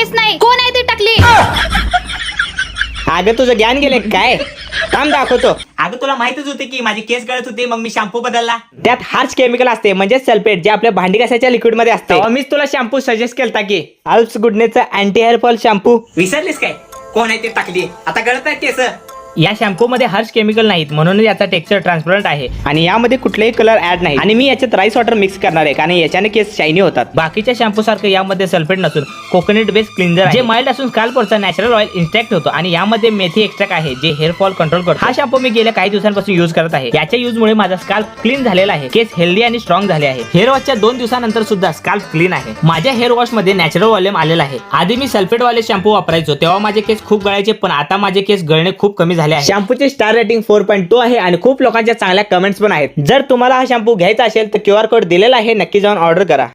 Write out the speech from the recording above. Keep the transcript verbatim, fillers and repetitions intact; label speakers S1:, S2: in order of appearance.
S1: केस नाही. कोण आहे ती टकली?
S2: अगं तुझं ज्ञान गेले काय? काम दाखवतो.
S3: अगं तुला माहितच होते की माझी केस गळत होते, मग मी शॅम्पू बदलला.
S2: त्यात हार्श केमिकल असते म्हणजे सल्फेट, जे आपल्या भांडी घासायच्या लिक्विड मध्ये असते. मीच तुला शॅम्पू सजेस्ट केलता की अल्प्स गुडनेचा अँटी हेअर फॉल शॅम्पू.
S3: विसरलीस काय कोण आहे ते टाकली? आता गळत आहे केस.
S2: या शॅम्पू मध्ये हार्श केमिकल नाहीत म्हणून याचा टेक्स्चर ट्रान्सपरंट आहे आणि यामध्ये कुठलेही कलर ऍड नाही. आणि मी याच्यात राईस वॉटर मिक्स करणार आहे कारण याच्याने केस शायनी होतात. बाकीच्या शॅम्पू सारखं यामध्ये सल्फेट नसून कोकोनट बेस्ड क्लिन्झर जे माइल्ड असून स्कॅल्पवरचा नॅचरल ऑइल इंस्ट्रॅक्ट होतो आणि यामध्ये मेथी एक्स्ट्रॅक्ट आहे जे हेअर फॉल कंट्रोल करतो. हा शॅम्पू मी गेल्या काही दिवसांपासून युज करत आहे. याच्या युज मुळे माझा स्कॅल्प क्लीन झालेला आहे. केस हेल्दी आणि स्ट्रॉंग झाले आहे. हेअर वॉशच्या दोन दिवसानंतर सुद्धा स्कॅल्प क्लीन आहे. माझ्या हेअर वॉश मध्ये नॅचरल वॉल्यूम आलेला आहे. आधी मी सल्फेट वाले शॅम्पू वापरायचो तेव्हा माझे केस खूप गळायचे, पण आता माझे केस गळणे खूप कमी झाले आहे. शॅम्पूचे star rating four point two आहे आणि खूप लोकांच्या चांगल्या कमेंट्स पण आहेत. जर तुम्हाला हा शॅम्पू घ्यायचा असेल तर क्यू आर कोड दिलेला आहे, नक्की जाऊन ऑर्डर करा.